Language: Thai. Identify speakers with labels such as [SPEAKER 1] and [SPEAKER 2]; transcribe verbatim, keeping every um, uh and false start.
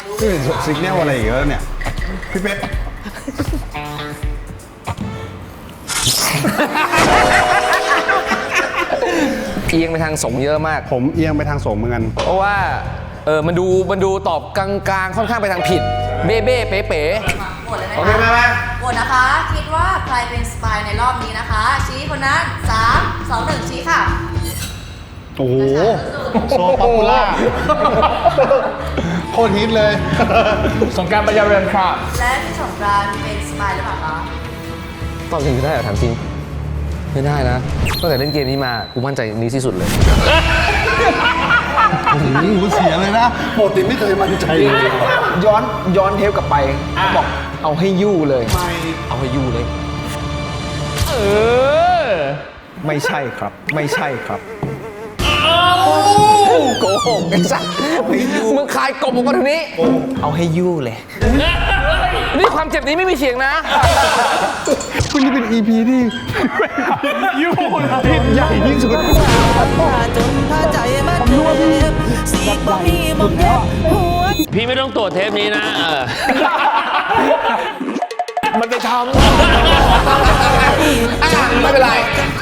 [SPEAKER 1] นี่ซิกเนลอะไรอีกแล้วเนี่ยพี่เป๊ก
[SPEAKER 2] เอียงไปทางสงเยอะมาก
[SPEAKER 1] ผมเอียงไปทางสงเหมือนกัน
[SPEAKER 2] เพราะว่าเออมันดูมันดูตอบกลางๆค่อนข้างไปทางผิด เบ้เบ้เป๋เป๋
[SPEAKER 3] โหวตเลยไหม
[SPEAKER 2] โอเคไหม
[SPEAKER 3] คะ
[SPEAKER 2] ไหม
[SPEAKER 3] โหวตนะคะ คิดว่าใครเป็นสปายในรอบนี้นะคะ ชี้คนนั้นสามสองหนึ่งชี้ค่ะ
[SPEAKER 1] โอ้โหโซป๊อปปูล่าโคตรฮิตเลย
[SPEAKER 4] สงกรารปัญญาเรือนครับ
[SPEAKER 3] และพี่สงกรานต์เป็นสปายหรือเปล่าคะ
[SPEAKER 2] ตอบจริงได้เหรอถามจริง ไม่ได้นะตั้งแต่เล่นเกมนี้มากูมั่นใจนี้ที่สุดเลย
[SPEAKER 1] หูเสียเลยนะปกติไม่เคยมั่นใจเลย
[SPEAKER 4] ย้อนย้อนเทปกลับไปบอกเอาให้ยู่เลย
[SPEAKER 2] เอาให้ยู่เลย
[SPEAKER 4] เออ
[SPEAKER 1] ไม่ใช่ครับ ไม่ใช่ครับ
[SPEAKER 2] โกหกไอ้สัสมึงคายกบออกมาทางนี้
[SPEAKER 4] เอาให้ยู่เลย
[SPEAKER 2] นี่ความเจ็บนี้ไม่มีเสียงนะ
[SPEAKER 1] คุณนี่เป็น อี พี ที่ยูฮิตใหญ่ที่สุด
[SPEAKER 5] จนพาใจมาเจ็บสีบ่มีมองเย็บหัว
[SPEAKER 6] พี่ไม่ต้องตรวจเทปนี้นะเออ
[SPEAKER 2] มันไปทำ ไม่เป็นไร